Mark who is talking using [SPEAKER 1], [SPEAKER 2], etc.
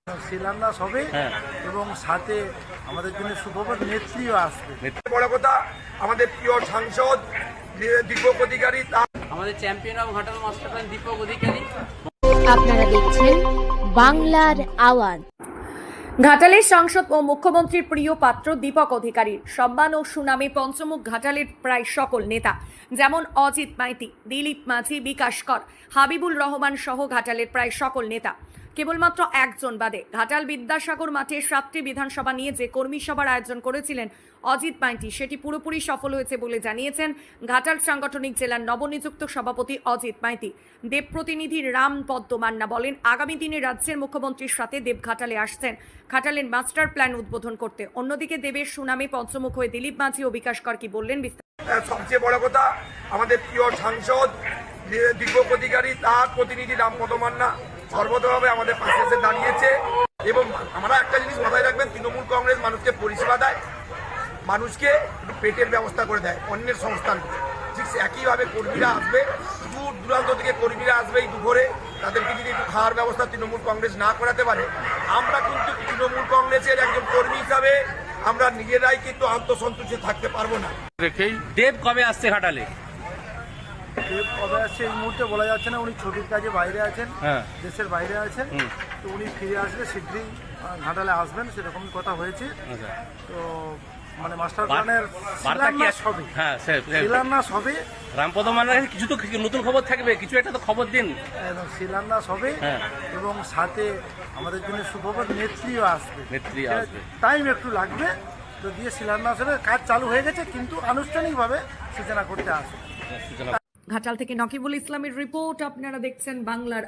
[SPEAKER 1] শিলান্যাস হবে এবং সাথে আমাদের জন্য সুখবর নেত্রীও আসবে।
[SPEAKER 2] বড় কথা, আমাদের প্রিয় সাংসদ দীপক অধিকারী,
[SPEAKER 3] আমাদের champion of Ghatal master plan Deepak Adhikari.
[SPEAKER 4] আপনারা দেখছেন বাংলার আওয়াজ।
[SPEAKER 5] ঘাটালের সাংসদ ও মুখ্যমন্ত্রীর প্রিয় পাত্র দীপক অধিকারীর সম্মান ও সুনামে পঞ্চমুখ ঘাটালের প্রায় সকল নেতা যেমন অজিত মাইতি, দিলীপ মাঝি, বিকাশ কর, হাবিবুল রহমান সহ ঘাটালের প্রায় সকল নেতা কেবলমাত্র একজন বাদে ঘাটাল বিদ্যাসাগর মাঠে 7টি বিধানসভা নিয়ে যে কর্মী সভার আয়োজন করেছিলেন অজিত মাইতি, সেটি পুরোপুরি সফল হয়েছে বলে জানিয়েছেন ঘাটাল সাংগঠনিক জেলার নবনিযুক্ত সভাপতি অজিত মাইতি। দেব প্রতিনিধি রাম পদ্ম মান্না বলেন, আগামী দিনে রাজ্যের মুখ্যমন্ত্রীর সাথে দেব ঘাটালে আসছেন ঘাটালের মাস্টার প্ল্যান উদ্বোধন করতে। অন্যদিকে দেবের সুনামে পঞ্চমুখ হয়ে দিলীপ মাঝি ও বিকাশ কর কি বললেন
[SPEAKER 2] সবচেয়ে বড় কথা, আমাদের প্রিয় সাংসদ দীপক অধিকারী, তার প্রতিনিধি রাম পদ্ম মান্না সর্বতভাবে আমাদের পাশে এসে দাঁড়িয়েছে। এবং আমরা একটা জিনিস মাথায় রাখবেন, তৃণমূল কংগ্রেস মানুষকে পরিষেবা দেয়, মানুষকে একটু পেটের ব্যবস্থা করে দেয় অন্যের সংস্থান। ঠিক একইভাবে কর্মীরা আসবে, দূর দূরান্ত থেকে কর্মীরা আসবে এই দুপুরে, তাদেরকে যদি একটু খাওয়ার ব্যবস্থা তৃণমূল কংগ্রেস না করাতে পারে, আমরা কিন্তু তৃণমূল কংগ্রেসের একজন কর্মী হিসাবে আমরা নিজেরাই কিন্তু আত্মসন্তুষ্টে থাকতে পারবো না।
[SPEAKER 3] দেব কবে আসছে ঘাটালে?
[SPEAKER 1] দেব কবে আসছে এই মুহূর্তে বলা যাচ্ছে না, উনি ছুটির কাজে বাইরে আছেন, দেশের বাইরে আছেন। তো উনি ফিরে আসলে শীঘ্রই ঘাটালে আসবেন, সেরকমই কথা হয়েছে। তো মানে মাস্টার প্ল্যানের শিলান্যাস হবে, শিলান্যাস হবে।
[SPEAKER 3] রামপদ মান্নার কিছু তো নতুন খবর থাকবে, কিছু একটা তো খবর দিন।
[SPEAKER 1] শিলান্যাস হবে এবং সাথে আমাদের জন্য সুখবর নেত্রীও আসবে। টাইম একটু লাগবে, তো দিয়ে শিলান্যাস হবে। কাজ চালু হয়ে গেছে, কিন্তু আনুষ্ঠানিকভাবে সূচনা করতে আসবে।
[SPEAKER 5] ঘাটাল থেকে নকিবুল ইসলামের রিপোর্ট, আপনারা দেখছেন বাংলার